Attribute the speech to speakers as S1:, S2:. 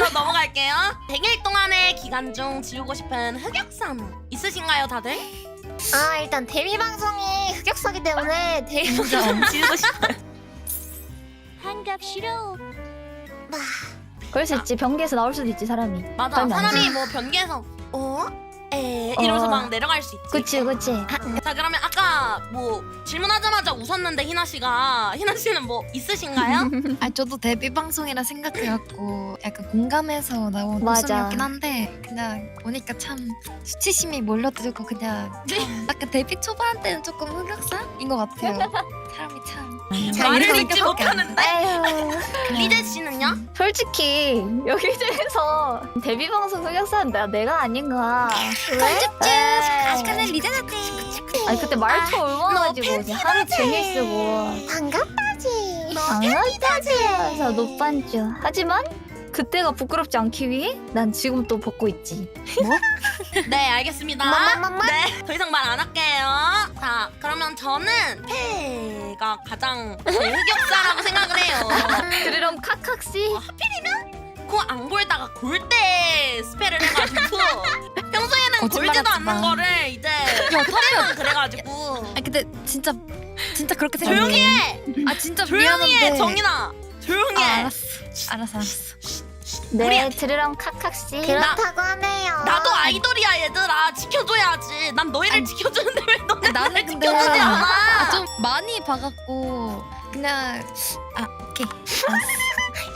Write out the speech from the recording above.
S1: 바로 넘어갈게요. 100일 동안의 기간 중 지우고 싶은 흑역사는 있으신가요, 다들?
S2: 아 일단 데뷔 방송이 흑역사기 때문에 데뷔 방송
S1: 지우고 싶어요.
S3: 한갑 싫어.
S4: 그럴 수 있지. 변기에서 나올 수도 있지 사람이.
S1: 맞아.
S4: 그러면 안
S1: 사람이 뭐 변기에서 이러면서 막 내려갈 수 있지.
S4: 그치 그치.
S1: 자, 그러면 아까 뭐 질문하자마자 웃었는데 희나 씨는 뭐 있으신가요?
S5: 아 저도 데뷔 방송이라 생각해갖고 약간 공감해서 나온
S4: 맞아.
S5: 웃음이었긴 한데 그냥 보니까 참 수치심이 몰려들고 그냥 참 약간 데뷔 초반 때는 조금 흑역사인 것 같아요. 사람이 참
S1: 말을
S5: 이런
S1: 잊지
S5: 생각밖에 안
S1: 못하는데.
S4: 에휴.
S1: 리제 씨는요?
S4: 솔직히 여기 중에서 데뷔 방송 흑역사는 내가 아닌가.
S2: 편집중
S5: 아직까지 리제한테
S4: 아니 그때 말투 얼마나지고 이제 하루 종일 쓰고
S2: 반갑다지.
S4: 장난짜지. 그래서 노반주. 하지만 그때가 부끄럽지 않기 위해 난 지금 또 벗고 있지.
S1: 네, 알겠습니다.
S2: 맘맘맘맘.
S1: 네, 더 이상 말 안 할게요. 자, 그러면 저는 패가 가장 흑역사라고 생각을 해요.
S4: 그럼 카카씨.
S1: 코 안 골다가 골 때 스펠을 해가지고 평소에는
S5: 거짓말
S1: 골지도
S5: 하지
S1: 않는
S5: 마.
S1: 거를 이제 그때만 그래가지고.
S5: 아 근데 진짜 그렇게 생각해.
S1: 조용히 해!
S5: 아 진짜
S1: 조용히
S5: 미안한데
S1: 해, 정인아! 조용히
S5: 아,
S1: 해!
S5: 알았어.
S4: 네 들으럼 카카씨.
S2: 그렇다고 하네요.
S1: 나도 아이돌이야, 얘들아. 지켜줘야지. 난 너희를
S5: 아니,
S1: 지켜주는데 왜 너네
S5: 나는
S1: 나를
S5: 근데
S1: 지켜주지 않아?
S5: 좀 많이 봐갖고 그냥 오케이. 알았어.